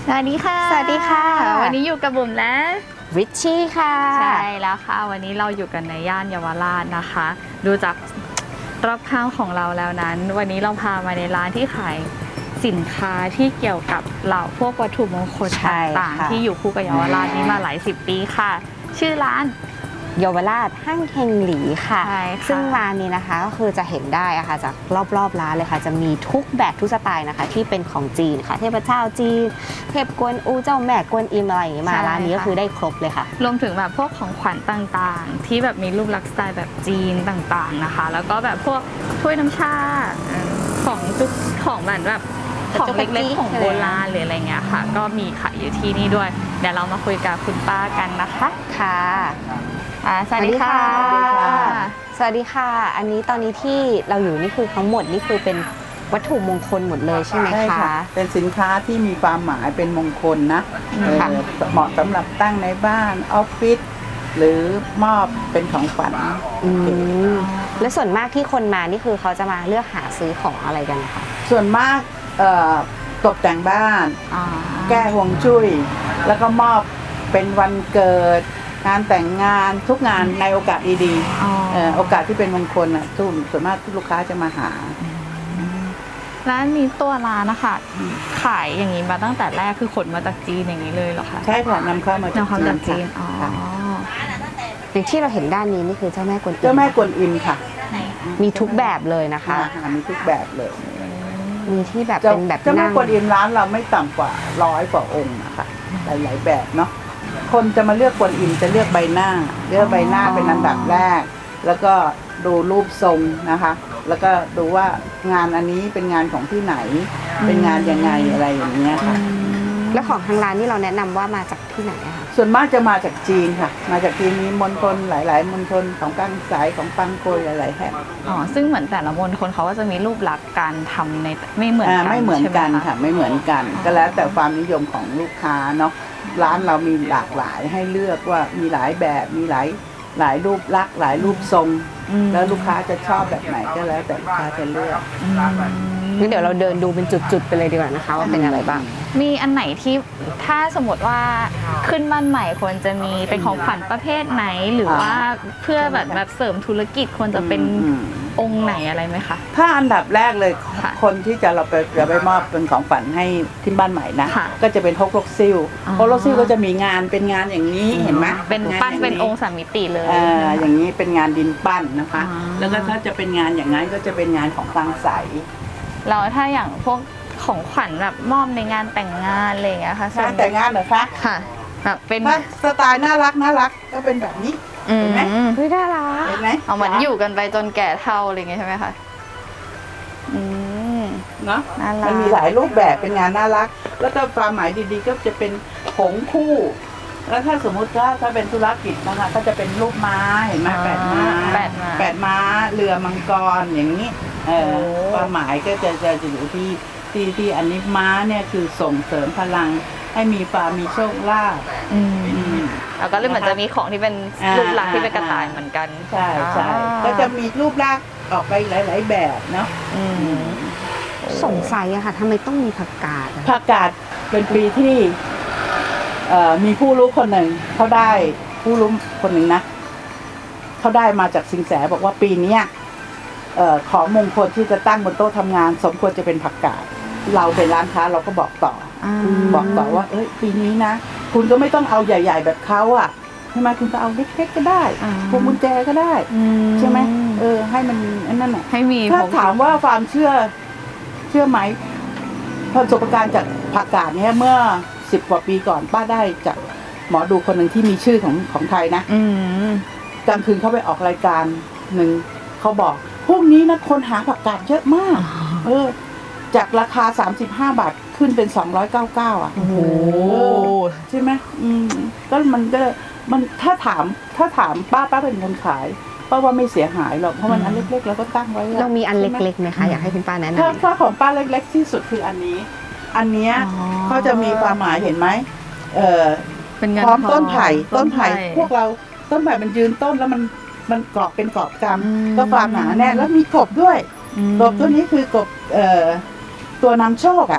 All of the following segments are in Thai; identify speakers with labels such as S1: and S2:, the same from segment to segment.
S1: สวัสดีค่ะ
S2: สวัสดีค่ะ
S1: วันนี้อยู่กับบุ๋มและ
S2: ริชชี่ค่ะ
S1: ใช่แล้วค่ะวันนี้เราอยู่กันในย่านเยาวราชนะคะ ดูจากรอบข้างของเราแล้วนั้น วันนี้เราพามาในร้านที่ขายสินค้าที่เกี่ยวกับเหล่าพวกวัตถุมงคลต่างๆที่อยู่คู่กับเยาวราชนี้มาหลายสิบปีค่ะ ชื่อร้าน
S2: เยาวราชห้างเฮงหลีค่ะ
S1: ใช่ค่ะ
S2: ซึ่งร้านนี้นะคะก็คือจะเห็นได้อะค่ะจากรอบร้านเลยค่ะจะมีทุกแบบทุกสไตล์นะคะที่เป็นของจีนค่ะเทพเจ้าจีนเทพกวนอูเจ้าแม่กวนอิมอะไรอย่างงี้มาร้านนี้ก็คือได้ครบเลยค่ะ
S1: รวมถึงแบบพวกของขวัญต่างๆ ที่แบบมีรูปลักษณ์สไตล์แบบจีนต่างๆนะคะ แล้วก็แบบพวกถ้วยน้ำชาของจุกของแบบของเล็กๆของโบราณหรืออะไรเงี้ยค่ะก็มีขายอยู่ที่นี่ด้วยเดี๋ยวเรามาคุยกับคุณป้ากันนะคะ
S2: ค่ะ
S1: สวัสดีค่ะ
S2: สวัสดีค่ะอันนี้ตอนนี้ที่เราอยู่นี่คือทั้งหมดนี่คือเป็นวัตถุมงคลหมดเลยใช่ไหมคะใช่ค่ะ
S3: เป็นสินค้าที่มีความหมายเป็นมงคลนะเหมาะสำหรับตั้งในบ้านออฟฟิศหรือมอบเป็นของขวัญ
S2: และส่วนมากที่คนมานี่คือเขาจะมาเลือกหาซื้อของอะไรกันคะ
S3: ส่วนมากตกแต่งบ้านแก้ฮวงจุ้ยแล้วก็มอบเป็นวันเกิดงานแต่งงานทุกงานในโอกาสดีๆโอกาสที่เป็นมงคลอ่ะส่วนมากลูกค้าจะมาหา
S1: ร้านนี้ตัวร้านนะคะขายอย่างนี้มาตั้งแต่แรกคือขนมาจากจีนอย่างนี้เลยเหรอคะ
S3: ใช่ค่ะนำเข้ามาจาก
S1: จีน
S2: อย่างที่เราเห็นด้านนี้นี่คือเจ้าแม่กวนอิม
S3: เจ้าแม่กวนอิมค่ะ
S2: มีทุกแบบเลยนะคะ
S3: มีทุกแบบเลย
S2: มีที่แบบเป็นแบบ
S3: เจ้าแม่กวนอิมร้านเราไม่ต่ำกว่า100 กว่าองค์นะคะหลายๆแบบเนาะคนจะมาเลือกกวนอิมจะเลือกใบหน้าเป็นอันดับแรกแล้วก็ดูรูปทรงนะคะแล้วก็ดูว่างานอันนี้เป็นงานของที่ไหนเป็นงานยังไงอะไรอย่างเงี้ยค่ะ
S2: แล้วของทางร้านนี่เราแนะนำว่ามาจากที่ไหนคะ
S3: ส่วนมากจะมาจากจีนค่ะมาจากจีนมีมณฑลหลายๆมณฑลของกังสายของปังโกยหลายๆแห่ง
S1: ซึ่งเหมือนแต่ละมณฑลเขาก็จะมีรูปลักษณ์การทำในไม่เหมือนกัน
S3: ไม่เหมือนกันค่ะไม่เหมือนกันก็แล้วแต่ความนิยมของลูกค้าเนาะร้านเรามีหลากหลายให้เลือกว่ามีหลายแบบมีหลายรูปลักษณ์หลายรูปทรงแล้วลูกค้าจะชอบแบบไหนก็แล้วแต่ลูกค้าจะเลือก
S2: งั้นเดี๋ยวเราเดินดูเป็นจุดๆไปเลยดีกว่านะคะว่าเป็นอะไรบ้าง
S1: มีอันไหนที่ถ้าสมมติว่าขึ้นบ้านใหม่ควรจะมีเป็นของขวัญประเภทไหนหรือว่าเพื่อแบบเสริมธุรกิจควรจะเป็นองค์ไหนอะไรไหมคะ
S3: ถ้าอันดับแรกเลยคนที่เราไปมอบเป็นของขวัญให้ที่บ้านใหม่นะก็จะเป็นฮกลกซิ่วฮกลกซิ่วก็จะมีงานเป็นงานอย่างนี้เห็นไหม
S1: เป็นปั้นเป็นองค์สามมิติเลย
S3: อย่างนี้เป็นงานดินปั้นนะคะแล้วก็ถ้าจะเป็นงานอย่างนั้นก็จะเป็นงานของตังใส
S1: แล้วถ้าอย่างพวกของขวัญแบบมอบในงานแต่งงานอะไรอย่างเงี้ยค่ะ
S3: งานแต่งงานเหรอคะ
S1: ค่ะแบบเป็น
S3: สไตล์น่ารักก็เป็นแบบนี้เห็นไหม
S2: น่ารัก
S3: เห็นไหม
S1: เหมือนอยู่กันไปจนแก่เฒ่าอะไรอย่างเงี้ยใช่ไหมคะ
S3: เนาะมันมีหลายรูปแบบเป็นงานน่ารักแล้วก็ความหมายดีๆก็จะเป็นผงคู่แล้วถ้าสมมุติถ้าเป็นธุรกิจนะคะก็จะเป็นรูปม้าเห็นไหม8 ม้าเรือมังกรอย่างนี้ความหมายก็จะอยู่ที่อันนี้ม้าเนี่ยคือส่งเสริมพลังให้มีความมีโชคลาภ
S1: แล้วก็เลยเหมือนจะมีของที่เป็นรูปลักษณ์ที่เป็นกระต่ายเหมือนกัน
S3: ใช่ก็จะมีรูปลักษณ์ออกไปหลายๆแบบเนาะ
S2: สงสัยอะค่ะทำไมต้องมีผักกาด
S3: เป็นปีที่มีผู้รู้คนหนึ่งเขาได้ผู้รู้คนหนึ่งนะเขาได้มาจากสิงแสบอกว่าปีนี้ของมงคลที่จะตั้งบนโต๊ะทำงานสมควรจะเป็นผักกาดเราเป็นร้านค้าเราก็บอกต่อว่าปีนี้นะคุณก็ไม่ต้องเอาใหญ่ๆแบบเขาอ่ะใช่ไหมคุณก็เอาเล็กๆก็ได้พวงกุญแจก็ได้ใช่ไหมให้มันนั่นแหละ
S1: ให้มี
S3: ถ้าถามว่าความเชื่อไหมประสบการณ์จากผักกาดเนี้ยเมื่อ10 กว่าปีก่อนป้าได้จากหมอดูคนหนึ่งที่มีชื่อของไทยนะกลางคืนเขาไปออกรายการหนึ่งเขาบอกพวกนี้นะคนหาผักกาดเยอะมากจากราคา35 บาทขึ้นเป็น299อ่ะโอ้โหใช่ไหมก็มันถ้าถามป้าเป็นคนขายป้าว่าไม่เสียหายหรอกเพราะมันอันเล็กๆแล้วก็ตั้งไว้
S2: เรามีอันเล็กๆไหมคะอยากให้คุณป้าแนะน
S3: ำถ้าของป้าเล็กๆที่สุดคืออันนี้เขาจะมีความหมายเห็นไหมพร้อมต้นไผ่พวกเราต้นไผ่มันยืนต้นแล้วมันกรอบเป็นกรอบกำก็ความหนาแน่นแล้วมีกบด้วยกบตัวนี้คือกบตัวนำโชคอ่ะ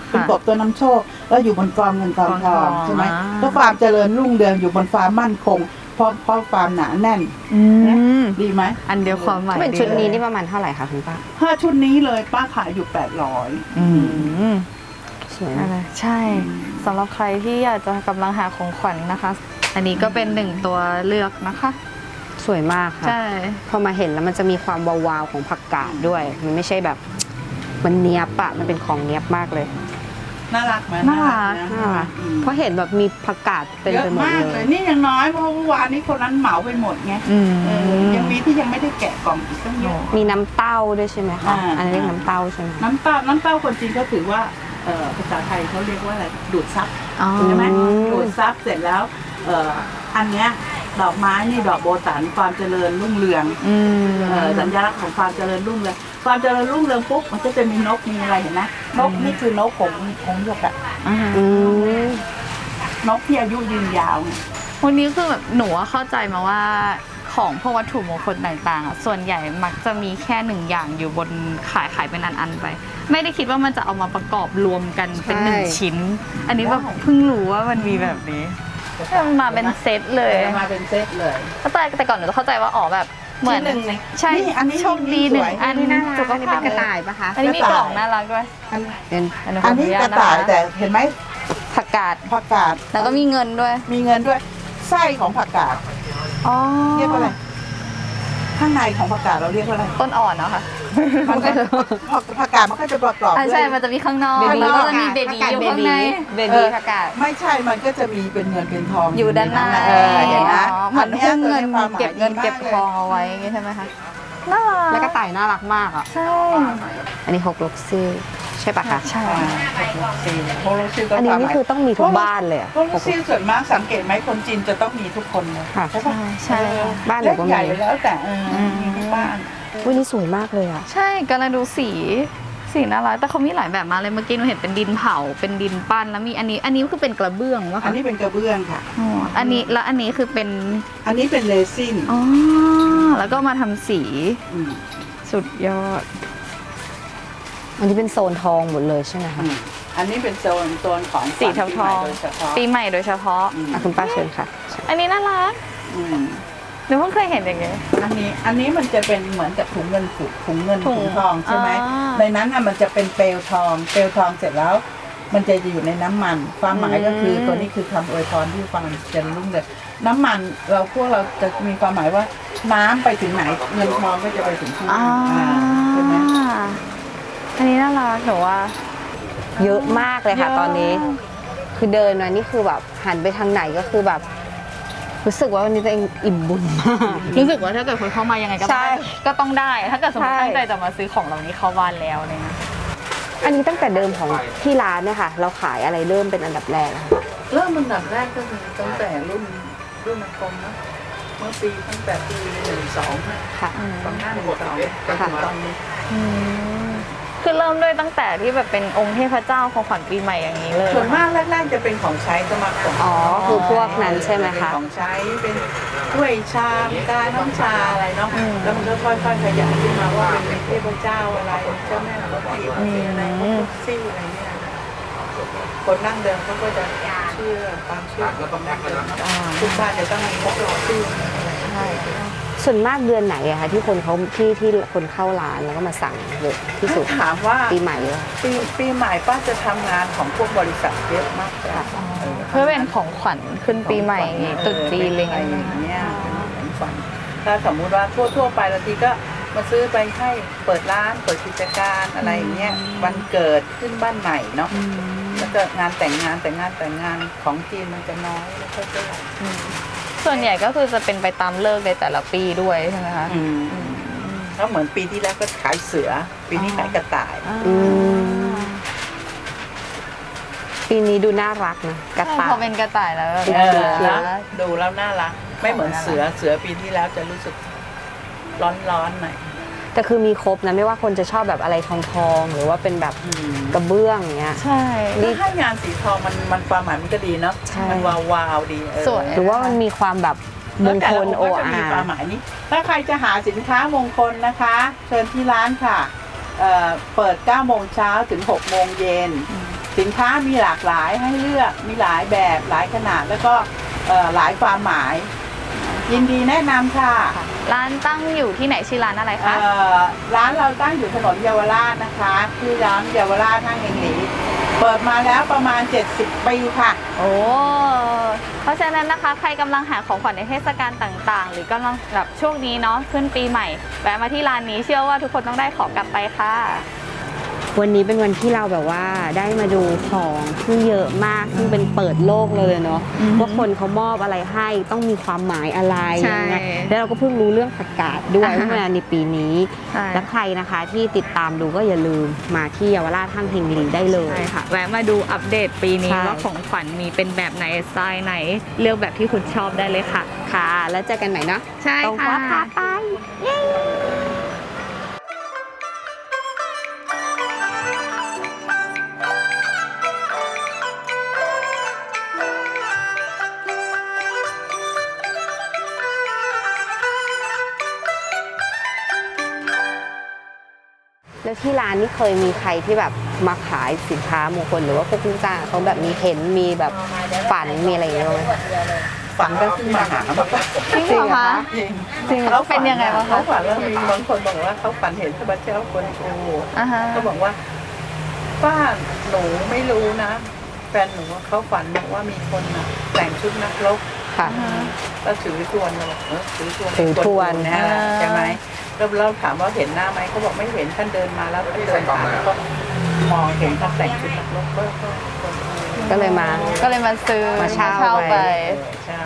S3: เป็นกบตัวนำโชค แล้วอยู่บนฟาร์มเงินฟาร์มทองใช่ไหม
S1: อ่า
S3: ก็ฟาร์มเจริญรุ่งเรืองอยู่บนฟาร์มมั่นคงเพราะฟาร์มหนาแน่น ดีไหม
S1: อันเดียวความหมาย
S2: เป็นชุดนี้
S1: ดี
S2: นี่ประมาณเท่าไหร่คะคุณป้า
S3: 5 ชุดนี้เลยป้าขายอยู่ 800
S1: อืม
S2: สวย
S1: อะไรใช่สำหรับใครที่อยากจะกำลังหาของขวัญนะคะ อันนี้ก็เป็นหนึ่งตัวเลือกนะคะ
S2: สวยมากค่ะ
S1: ใช่
S2: พอมาเห็นแล้วมันจะมีความวาวๆของผักกาดด้วย มันไม่ใช่แบบมันเนี้ยบอะมันเป็นของเนี้ยบมากเลย
S3: น่ารักไหม
S1: น่ารัก
S2: น่ารักเพราะเห็นแบบมีผักกาดเต็ม
S3: เย
S2: ไป
S3: อะ
S2: หมด
S3: มาก
S2: เล
S3: เลย
S2: ย
S3: นี่ยังน้อยเพราะเมื่อวานนี้คนนั้นเหมาไปหมดไง
S1: อืม
S3: ยังมีที่ยังไม่ได้แกะกล่องอีกตั้งเยอะ
S2: มีน้ำเต้าด้วยใช่ไหมคะ อันนี้เรียกน้ำเต้าใช่ไหมคะ
S3: น้ำเต้าคนจีนเขาถือว่าภาษาไทยเขาเรียกว่าอะไรดูดซับ
S1: อ๋อ
S3: ใช่ไหมดูดซับเสร็จแล้วอันเนี้ยดอกไม้นี่ดอกโบตันความเจริญรุ่งเรือง
S1: อืม
S3: สัญลักษณ์ของความเจริญรุ่งเรืองความเจริญรุ่งเรืองปุ๊บมันก็จะมีนกมีอะไรเห็นไหมนกนี่คือนกของหยกอะ
S1: อ่า
S2: อืม
S3: นกที่อายุยืนยาวไง
S1: วันนี้คือแบบหนูอะเข้าใจมาว่าของพวกวัตถุมงคลต่างๆอ่ะส่วนใหญ่มักจะมีแค่หนึ่งอย่างอยู่บนขายเป็นอันๆไป ไม่ได้คิดว่ามันจะเอามาประกอบรวมกันเป็นหนึ่งชิ้น อันนี้แบบเพิ่งรู้ว่ามันมีแบบนี้มันมาเป็นเซตเลย
S3: มาเป็นเซตเลย
S1: แต่ก่อนหนูจะเข้าใจว่าอ๋อแบบเหมือน
S3: ที่หนึ่งเลย
S1: ใช่
S3: นี่อันนี้
S1: โชคดีหนึ่ง
S3: สวย
S1: อัน
S2: นี่น่ารัก
S1: สุข
S2: อันนี้
S1: ภา
S2: เป็น
S1: พ
S2: กระต่ายปะคะ
S1: อันนี้มีกล่องน่ารักด้วย
S2: เป็น
S3: อันนี้กระต่ายแต่เห็นไหม
S1: ผักกาด
S3: ผักกาด
S1: แล้วก็มีเงินด้วย
S3: มีเงินด้วยไส้ของผักกาด
S1: อ๋อ
S3: เรียกว่าอะไรข้างในของผักกาดเราเรียกว่าอะไร
S1: ต้นอ่อนเนาะค่ะ
S3: มันก็ผักกาดมันก็จะประกอบ
S1: อ่ะ
S3: ด้ว
S1: ใช่
S3: ย
S1: มันจะมีข้างนอก
S2: เบบี
S1: แล้วก็จะมีเบบีอยู่ข้างใน
S2: เบบีผักกาด
S3: ไม่ใช่มันก็จะมีเป็นเงินเป็นทอง
S1: อยู่ด้านหน้า
S3: เห็นไหม
S1: เหมือนหุ้มเงิน
S3: ความหมาย
S1: เก็บเงิน
S3: ดีมาก
S1: เก็บทองเอาไว้อย่างงี้ใช่ไหมคะน่ารัก
S2: แล้วกระต่ายน่ารักมากอ่ะ
S1: ใช่
S2: อันนี้ฮกลกซี่ใช่ปะคะ
S1: ใช่
S3: โฮโลซิลก็
S2: อันนี้นี่คือต้องมีทุกบ้านเลยอะ
S3: โฮโลซิลส่วนมากสังเกตไหมคนจีนจะต้องมีทุกคนเลย
S2: ค่ะ
S3: ใช่ปะ
S1: ใช่
S2: บ้านหนูก็มี
S3: เล็ใหญ่แล้วแต่มีทุกบ้าน
S2: อุ้ยนี่สวยมากเลยอ่ะ
S1: ใช่กำลังดูสีน่ารักแต่เขามีหลายแบบมากเลยเมื่อกี้หนูเห็นเป็นดินเผาเป็นดินปั้นแล้วมีอันนี้คือเป็นกระเบื้องวะ
S3: อั
S1: คะ
S3: นนี้เป็นกระเบื้องค่ะ
S1: อ๋ออันนี้แล้วอันนี้คือเป็น
S3: อันนี้เป็นเรซิน
S1: อ๋อแล้วก็มาทำสี
S3: ม
S1: สุดยอด
S2: อันนี้เป็นโซนทองหมดเลยใช่ไหมคะ
S3: อันนี้เป็นโซนของ
S1: สีเทาทอง
S3: ปีใหม่โดยเฉพาะ
S1: ปีใหม่โดยเฉพาะ
S2: อ่ะคุณป้าเชิญค่ะ
S1: อันนี้น่ารัก
S3: อืม
S1: หนูเพิ่งเคยเห็นอย่างเงี้ย
S3: อันนี้มันจะเป็นเหมือนกับถุงเงินถุงเงิน
S1: ถุ
S3: ถุ
S1: ง
S3: งทองใช่ไหม
S1: อ่า
S3: ในนั้นน่ะมันจะเป็นเปลวทองเสร็จแล้ว มันจะอยู่ในน้ำมันความหมายก็คือตัวนี้คือคำอวยพรที่ฟังจะรุ่งเรืองน้ำมันพวกเราจะมีความหมายว่าน้ำไปถึงไหนเงินทองก็จะไปถึงที่นั่นใช่ไหม
S1: อันนี้น่ารักหนูว่า
S2: เยอะมากเลยค่ะ
S1: เยอะ
S2: ตอนนี้ คือเดินมานี่คือแบบหันไปทางไหนก็คือแบบ รู้สึกว่าวันนี้ตัวเองอิ่มบุญมาก
S1: รู้สึกว่าถ้าเกิดคนเข้ามายังไงก็
S2: ใช่
S1: ก็ต้องได้ ถ้าเกิดสมมติ
S2: ใช่
S1: ตั้งใจจะมาซื้อของเหล่านี้เข้าบ้านแล้วอะไรเงี้ย
S2: อันนี้ตั้งแต่เดิมของที่ร้านเนี่ยค่ะ เราขายอะไรเริ่มเป็นอันดับแรกอะคะ
S3: เริ่มอันดับแรกก็คือตั้งแต่รุ่นอากงนะเมื่อปีตั้งแต่ปี12นะ
S2: ค่ะ
S3: 2512จนถึงตอนนี้
S1: คือเริ่มด้วยตั้งแต่ที่แบบเป็นองค์เทพเจ้าของขวัญปีใหม่อย่างนี้เลย
S3: ส่วนมากแรกๆจะเป็นของใช้สมาคม
S2: อ๋อ คือพวกนั้นใช่ไหม
S3: เป็น
S2: คะ
S3: ของใช้เป็นถ้วยชามกาน้ำชาอะไรเนาะแล้วมันก็ค่อยๆขยายขึ้นมาว่าเป็นเทพเจ้าอะไรเจ้าแม่กวนอิมอะไรพวกซี่อะไรเนี่ยคนนั่งเดิมเขาก็จะเชื่อความเชื่อของนั่งเดิมเนาะทุกบ้านจะต้องมีพวกหล่อชื่ออะไร
S1: ใช่
S2: ส่วนมากเดือนไหนอะคะที่คนเขาที่คนเข้าร้านแล้วก็มาสั่งเยอะที่สุด
S3: ถามว่า
S2: ปีใหม่เลย
S3: ปีใหม่ป้าจะทำงานของพวกบริษัทเยอะมากกว่า
S1: เพื่อเป็นของขวัญขึ้นปีใหม่ตรุษจีนอะไร
S3: อะไร
S1: เงี้
S3: อย ย่างเงี้ยเป็นของขวัญถ้าสมมุติว่าทั่วไปบางทีก็มาซื้อไปให้เปิดร้านเปิดกิจการอะไรอย่างเงี้ยวันเกิดขึ้นบ้านใหม่เนาะแล้วก็งานแต่งงานของจีนมันจะน้อยไม่ค่อยเท่าไหร่
S1: ส่วนใหญ่ก็คือจะเป็นไปตามเลิกในแต่ละปีด้วยใช่ไหมคะ
S3: แล้วเหมือนปีที่แล้วก็ขายเสือ ปีนี้ขายกระต่าย
S2: อืมปีนี้ดูน่ารักนะกระต่า
S1: พอย เป็นกระต่ายแล้วแบบ
S3: แล้วดูแล้วน่ารักไม่เหมือนเสือปีที่แล้วจะรู้สึกร้อนหน่อย
S2: แต่คือมีครบนะไม่ว่าคนจะชอบแบบอะไรทองหรือว่าเป็นแบบกระเบื้องอย่างเงี้ย
S1: ใช่
S3: นี่ให้งานสีทองมันความหมายมันก็ดีเนาะ
S2: ใช่
S3: มันวาวดี
S1: สวย
S2: หรือว่ามันมีความแบบมงคลโอ
S3: จะมี
S2: อา
S3: ความหมายนี้ถ้าใครจะหาสินค้ามงคลนะคะ เชิญที่ร้านค่ะเปิด9 โมงเช้าถึง6 โมงเย็นสินค้ามีหลากหลายให้เลือกมีหลายแบบหลายขนาดแล้วก็หลายความหมาย ยินดีแนะนำค่ะ
S1: ร้านตั้งอยู่ที่ไหนชื่อร้านอะไรคะ
S3: ร้านเราตั้งอยู่ถนนเยาวราชนะคะที่ร้านเยาวราชห้างเฮงหลีเปิดมาแล้วประมาณ 70 ปีค่ะ
S1: โอ้เพราะฉะนั้นนะคะใครกำลังหาของขวัญในเทศกาลต่างๆ หรือกำลังแบบช่วงนี้เนาะขึ้นปีใหม่แวะมาที่ร้านนี้เชื่อว่าทุกคนต้องได้ของกลับไปค่ะ
S2: วันนี้เป็นวันที่เราแบบว่าได้มาดูของที่เยอะมากซึ่งเป็นเปิดโลกเลยเนาะ
S1: อือฮึ
S2: ว่าคนเขามอบอะไรให้ต้องมีความหมายอะไร
S1: ใช่
S2: ยังไงแล้วเราก็เพิ่งรู้เรื่องผักกาดด้วย
S1: อ่าฮะ
S2: เมื่อในปีนี้
S1: ใช่
S2: และใครนะคะที่ติดตามดูก็อย่าลืมมาที่เยาวราชห้างเฮงลีได้เลย
S1: ใช่ค่ะแวะมาดูอัปเดตปีนี้
S2: ใช่
S1: ว่าของขวัญมีเป็นแบบไหนสไตล์ไหนเลือกแบบที่คุณชอบได้เลยค่ะ
S2: ค่ะ แล้วเจอกันใหม่เนาะ
S1: ใช่
S2: ตรง
S1: ค่ะ
S2: ว่าพาไปเย้ แล้วที่ร้านนี่เคยมีใครที่แบบมาขายสินค้ามงคลหรือว่าพวกลูกจ้างเขาแบบมีเห็นมีแบบฝันมีอะไรอย่างเงี้ยไหม
S3: ฝันก็ขึ้นมาหาแบบ
S1: จริงเหรอคะ
S2: จริงเหรอ
S3: เขาฝั
S1: เป็นยังไงบ้างคะ
S3: เขาฝันแล้วมีบางคนบอกว่าเขาฝันเห็นพระเจ้าคนโช
S1: อ่าฮะ
S3: เขาบอกว่าป้าหนูไม่รู้นะแฟนหนูว่าเขาฝันบอกว่ามีคนน่ะแต่งชุดนักรบ
S2: ค่ะ
S3: แล้วถือทวนเราบอกถือทวน
S2: ถือทวน
S3: นะใช่ไหมแล้วเราถามว่าเห็นหน้าไหมเขาบอกไม่เห็นท่านเดินมาแล้วท่านเดินผ่านแล้วก็มองเห็นท่านแต่งชุดนักรบก็คน
S2: ก็เลยมา
S1: ก็เลยมาซื้อ
S2: มาเช่า
S1: ไป
S3: ใช่